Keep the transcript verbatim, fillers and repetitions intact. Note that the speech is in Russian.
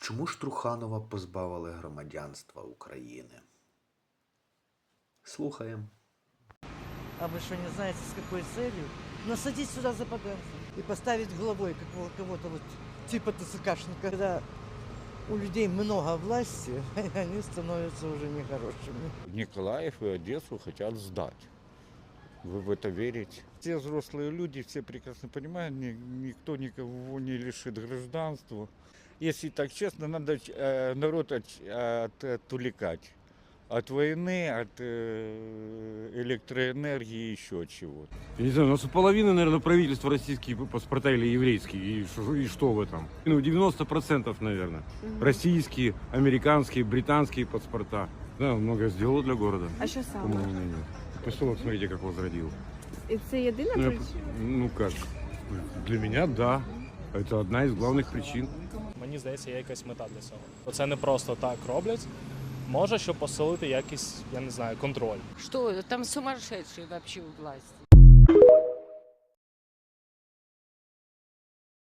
Чому ж Труханова позбавили громадянства України? Слухаємо. А вы что, не знаете, с какой целью? Насадить сюда западанцев и поставить главой какого- кого-то вот типа ТЦКшника. Когда у людей много власти, они становятся уже нехорошими. Николаев и Одессу хотят сдать. Вы в это верите? Все взрослые люди, все прекрасно понимают, ни- никто никого не лишит гражданства. Если так честно, надо э, народ от, от- отвлекать. От войны, от э, электроэнергии и еще от чего-то. Я не знаю, у нас у половины, наверное, правительства российские паспорта или еврейские. И, ш- и что в этом? Ну, девяносто процентов, наверное. Российские, американские, британские паспорта. Да, он много сделал для города. А що По саме? моему мнению. Поселок, смотрите, как возродил. І це єдина Ну, я причина? п- ну как, для меня, да. Это одна из главных причин. Мені здається, є якась мета для цього. Це не просто так роблять. Може, щоб посилити якийсь, я не знаю, контроль. Что, там сумасшедшие вообще у власти.